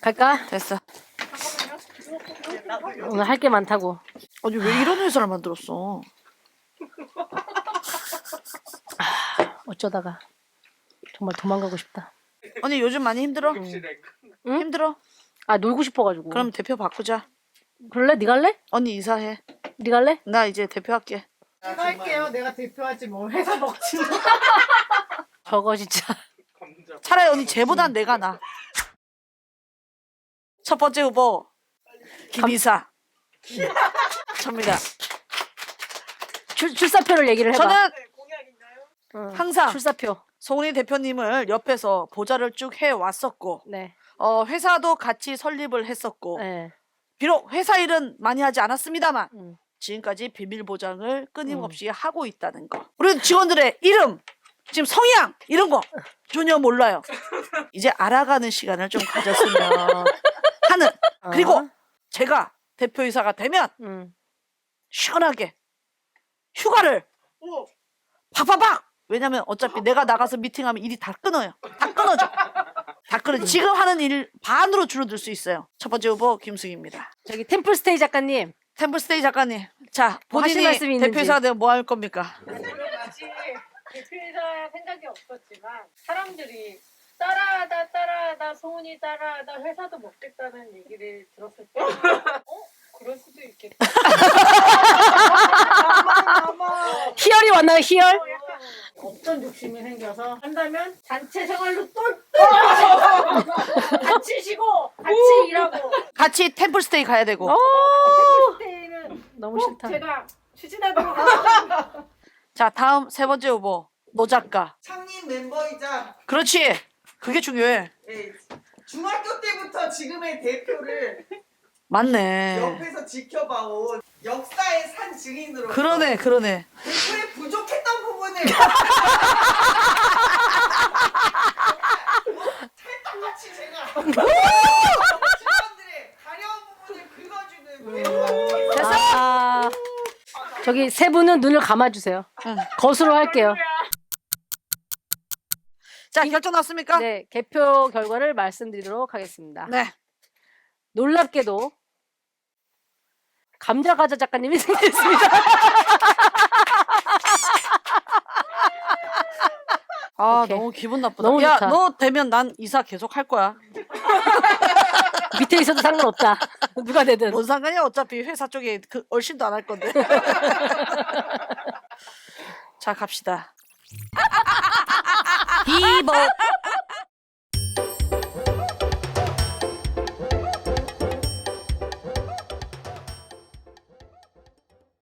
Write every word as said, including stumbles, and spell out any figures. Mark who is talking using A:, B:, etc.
A: 갈까?
B: 됐어.
A: 오늘 할 게 많다고.
B: 아니 왜 이런 회사를 만들었어?
A: 어쩌다가 정말 도망가고 싶다.
B: 언니 요즘 많이 힘들어?
A: 응?
B: 힘들어?
A: 아 놀고 싶어가지고.
B: 그럼 대표 바꾸자.
A: 그럴래? 네 갈래?
B: 언니 이사해.
A: 네 갈래?
B: 나 이제 대표할게.
C: 제가 할게요. 내가 대표하지 뭐 회사 먹지.
A: 저거 진짜.
B: 차라리 언니 쟤보단 내가 나. 첫 번째 후보 김이사. 접니다.
A: 출, 출사표를 얘기를 해봐.
B: 저는
A: 응.
B: 항상
A: 출사표.
B: 송은이 대표님을 옆에서 보좌를 쭉 해왔었고
A: 네.
B: 어, 회사도 같이 설립을 했었고
A: 네.
B: 비록 회사 일은 많이 하지 않았습니다만
A: 응.
B: 지금까지 비밀 보장을 끊임없이 음. 하고 있다는 거. 우리 직원들의 이름, 지금 성향 이런 거 전혀 몰라요. 이제 알아가는 시간을 좀 가졌으면 하는. 그리고
A: 어?
B: 제가 대표이사가 되면
A: 응.
B: 시원하게 휴가를 팍팍팍. 왜냐면 어차피 내가 나가서 미팅하면 일이 다 끊어요. 다 끊어져. 다 끊어져. 지금 하는 일 반으로 줄어들 수 있어요. 첫 번째 후보 김승희입니다.
A: 저기 템플스테이 작가님.
B: 템플스테이 작가님. 자,
A: 뭐 하실
B: 본인이
A: 말씀이 있는지.
B: 대표이사가 되면 뭐 할 겁니까?
C: 아직 대표이사 생각이 없었지만 사람들이 따라하다 따라하다 소은이 따라하다 회사도 먹겠다는 얘기를 들었을 때 어? 그럴 수도 있겠다.
A: 희열이 왔나요? 희열?
C: 어떤 욕심이 생겨서 한다면 단체 생활로 똘똘 같이 쉬고 같이 일하고
B: 같이 템플스테이 가야 되고.
A: 어,
C: 그때는
A: 너무
C: 꼭
A: 싫다.
C: 제가 추진하도록 하겠습니다.
B: 자, 다음 세 번째 후보 노 작가.
D: 창립 멤버이자
B: 그렇지. 그게 중요해.
D: 예, 중학교 때부터 지금의 대표를
B: 맞네.
D: 옆에서 지켜봐온 역사의 산 증인으로
B: 그러네, 그러네.
D: 대표의 부족했던 부분을 찰떡같이 제가 직원들의 가려운 부분을 긁어주는 대표가
B: 됐어.
A: 아, 저기 세 분은 눈을 감아주세요.
B: 응.
A: 거수로 할게요.
B: 자, 결정 났습니까?
A: 네, 개표 결과를 말씀드리도록 하겠습니다.
B: 네.
A: 놀랍게도 감자과자 작가님이 승리했습니다.
B: 아,
A: 오케이.
B: 너무 기분 나쁘다.
A: 너무
B: 야,
A: 좋다.
B: 너 되면 난 이사 계속 할 거야.
A: 밑에 있어도 상관없다. 누가 되든.
B: 뭔 상관이야? 어차피 회사 쪽에 그 얼씬도 안 할 건데. 자, 갑시다. 비보